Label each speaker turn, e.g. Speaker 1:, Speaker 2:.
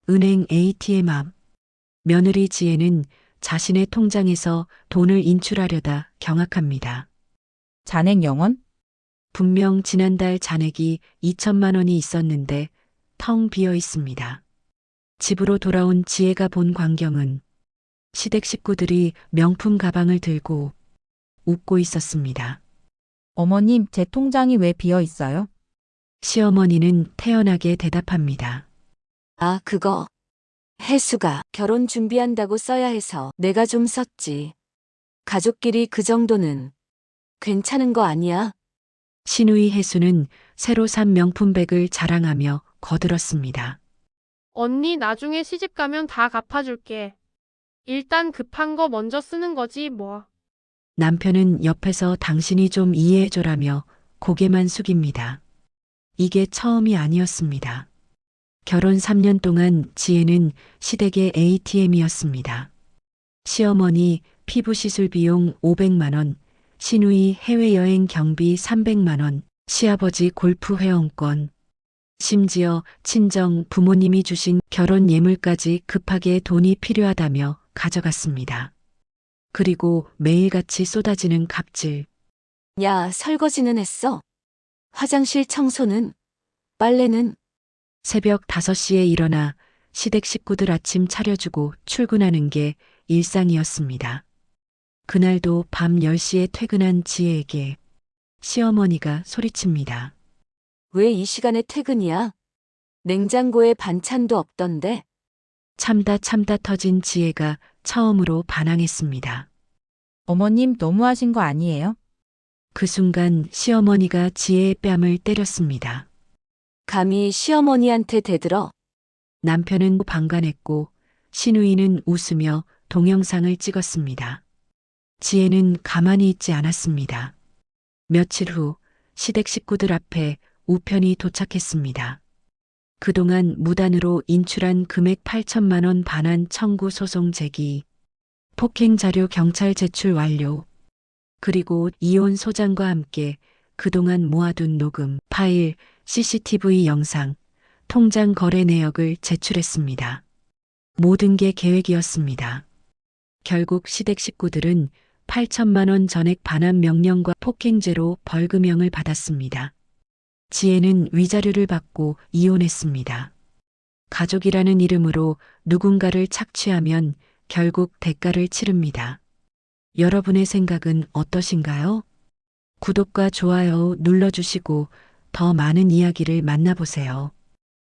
Speaker 1: 은행 ATM 앞. 며느리 지혜는 자신의 통장에서 돈을 인출하려다 경악합니다.
Speaker 2: 잔액 영원?
Speaker 1: 분명 지난달 잔액이 2천만 원이 있었는데 텅 비어 있습니다. 집으로 돌아온 지혜가 본 광경은 시댁 식구들이 명품 가방을 들고 웃고 있었습니다.
Speaker 2: 어머님, 제 통장이 왜 비어 있어요?
Speaker 1: 시어머니는 태연하게 대답합니다.
Speaker 3: 아, 그거. 혜수가 결혼 준비한다고 써야 해서 내가 좀 썼지. 가족끼리 그 정도는 괜찮은 거 아니야?
Speaker 1: 신우이 혜수는 새로 산 명품백을 자랑하며 거들었습니다.
Speaker 4: 언니 나중에 시집 가면 다 갚아줄게. 일단 급한 거 먼저 쓰는 거지 뭐.
Speaker 1: 남편은 옆에서 당신이 좀 이해해줘라며 고개만 숙입니다. 이게 처음이 아니었습니다. 결혼 3년 동안 지혜는 시댁의 ATM이었습니다. 시어머니 피부 시술 비용 500만 원, 시누이 해외여행 경비 300만 원, 시아버지 골프 회원권, 심지어 친정 부모님이 주신 결혼 예물까지 급하게 돈이 필요하다며 가져갔습니다. 그리고 매일같이 쏟아지는 갑질.
Speaker 3: 야, 설거지는 했어? 화장실 청소는? 빨래는?
Speaker 1: 새벽 5시에 일어나 시댁 식구들 아침 차려주고 출근하는 게 일상이었습니다. 그날도 밤 10시에 퇴근한 지혜에게 시어머니가 소리칩니다.
Speaker 3: 왜 이 시간에 퇴근이야? 냉장고에 반찬도 없던데?
Speaker 1: 참다 터진 지혜가 처음으로 반항했습니다.
Speaker 2: 어머님, 너무하신 거 아니에요?
Speaker 1: 그 순간 시어머니가 지혜의 뺨을 때렸습니다.
Speaker 3: 감히 시어머니한테 대들어?
Speaker 1: 남편은 방관했고 시누이는 웃으며 동영상을 찍었습니다. 지혜는 가만히 있지 않았습니다. 며칠 후 시댁 식구들 앞에 우편이 도착했습니다. 그동안 무단으로 인출한 금액 8천만 원 반환 청구 소송 제기, 폭행 자료 경찰 제출 완료, 그리고 이혼 소장과 함께 그동안 모아둔 녹음, 파일, CCTV 영상, 통장 거래 내역을 제출했습니다. 모든 게 계획이었습니다. 결국 시댁 식구들은 8천만 원 전액 반환 명령과 폭행죄로 벌금형을 받았습니다. 지혜는 위자료를 받고 이혼했습니다. 가족이라는 이름으로 누군가를 착취하면 결국 대가를 치릅니다. 여러분의 생각은 어떠신가요? 구독과 좋아요 눌러주시고 더 많은 이야기를 만나보세요.